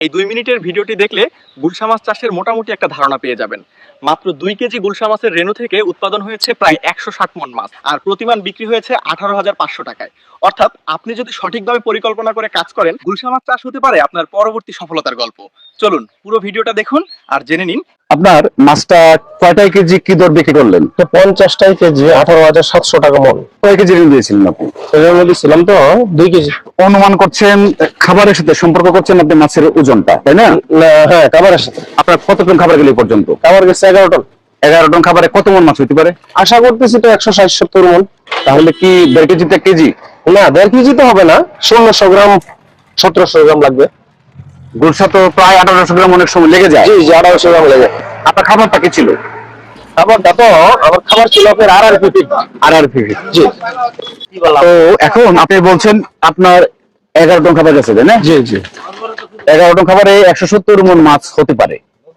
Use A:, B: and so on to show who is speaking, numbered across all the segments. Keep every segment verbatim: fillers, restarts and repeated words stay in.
A: এই দুই মিনিটের ভিডিওটি দেখলে গুলশা মাছ চাষের মোটামুটি একটা ধারণা পেয়ে যাবেন। মাত্র দুই কেজি গুলশা মাছের রেণু থেকে উৎপাদন হয়েছে প্রায় একশো ষাট মন মাছ, আর প্রতিমান বিক্রি হয়েছে আঠারো হাজার পাঁচশো টাকায়। অর্থাৎ আপনি যদি সঠিকভাবে পরিকল্পনা করে কাজ করেন, গুলশা মাছ চাষ হতে পারে আপনার পরবর্তী সফলতার গল্প। চলুন পুরো ভিডিওটা দেখুন আর জেনে নিন
B: আপনার মাছটা কয়টাই কেজি কি দর বিক্রি করলেন?
C: পঞ্চাশটাই কেজি আঠারো হাজার সাতশো টাকা মন।
B: কয় কেজি ঋণ দিয়েছিলেন আপনি?
C: এর মধ্যে ছিলাম তো দুই কেজি।
B: অনুমান করছেন খাবারের সাথে সম্পর্ক করছেন আপনি মাছের ওজনটা, তাই না?
C: হ্যাঁ, খাবারের সাথে।
B: আপনার কত টন খাবার গেলে পর্যন্ত?
C: খাবার গেছে এগারো টন।
B: এগারো টন খাবারে কত মন মাছ হতে পারে?
C: আশা করতেছি তো একশো ষাট সত্তর মন।
B: তাহলে কি দেড় কেজিতে এক কেজি?
C: না, দেড় কেজি তো হবে না, ষোলোশো গ্রাম সতেরোশো গ্রাম লাগবে।
B: গুলশা তো প্রায় আঠারোশো গ্রাম অনেক সময় লেগে যায়।
C: জি জি আঠারোশো গ্রাম লেগে।
B: আপনার খাবারটা কি ছিল?
C: খাবারটা তো আমার খাবার ছিল আপনার আর আর পিপি।
B: আর আর ফিফি।
C: জি।
B: তো এখন আপনি বলছেন আপনার এগারো টন খাবার গেছে, তাই না?
C: জি জি।
B: এগারো টন খাবারে একশো সত্তর মন মাছ হতে পারে।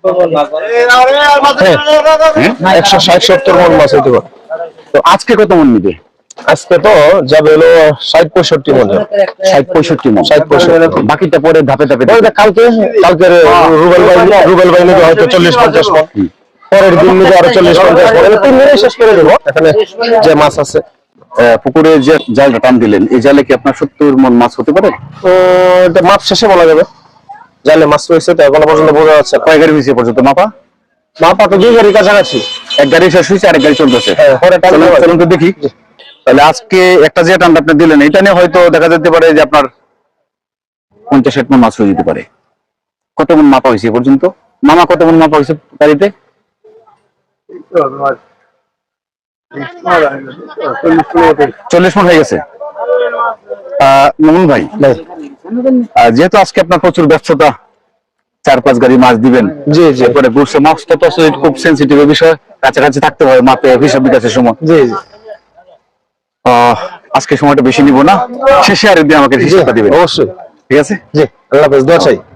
C: হ্যাঁ, একশো ষাট সত্তর মন মাছ হতে পারে।
B: তো আজকে কত মন নিবে?
C: আজকে তো যাবে হলো ষাট পঁয়ষট্টি মন।
B: ষাট পঁয়ষট্টি মন।
C: ষাট পঁয়ষট্টি।
B: বাকিটা পরে ধাপে ধাপে
C: ওইটা কালকে কালকে রুবেল ভাই রুবেল ভাই নিবে হয়তো চল্লিশ পঞ্চাশ মন। পরের দিন নিবে আরো চল্লিশ পঞ্চাশ মন। তিন দিনে শেষ করে দেবো এখানে যে মাছ আছে।
B: পুকুরে যে জালটা টান দিলেন, এই জালে কি আপনার সত্তর মন মাছ হতে পারে?
C: তো এটা মাছ শেষে বলা যাবে। জালে মাছ রয়েছে তো এখনো পর্যন্ত বোঝা যাচ্ছে।
B: কয় গাড়ি হয়েছে পর্যন্ত মাপা?
C: মাপা তো দুই গাড়ি কাছাকাছি।
B: এক গাড়ি শেষ হয়েছে, আরেক গাড়ি চলতেছে। চলুন তো দেখি। তাহলে আজকে একটা যে টানটা আপনি দিলেন, এটা নিয়ে হয়তো দেখা যেতে পারে যে আপনার পঞ্চাশ ষাট মন মাছ হয়ে যেতে পারে। কত মন মাপা হয়েছে পর্যন্ত? মামা কত মন মাপা হয়েছে গাড়িতে? চল্লিশ মন হয়ে গেছে। আহ মামুন ভাই, যেহেতু আজকে আপনার প্রচুর ব্যস্ততা, চার পাঁচ গাড়ি মাছ দিবেন,
C: জি জি।
B: এরপরে গুলশা মাছটা তো আসলে খুব সেন্সিটিভ বিষয়, কাছাকাছি থাকতে হয় মাপে হিসাব বিকাশের সময়।
C: জি জি।
B: আহ আজকে সময়টা বেশি নিব না, শেষে আর একদিন আমাকে হিসাবটা দিবেন।
C: অবশ্যই।
B: ঠিক আছে?
C: জি, আল্লাহ হাফেজ, দোয়া চাই।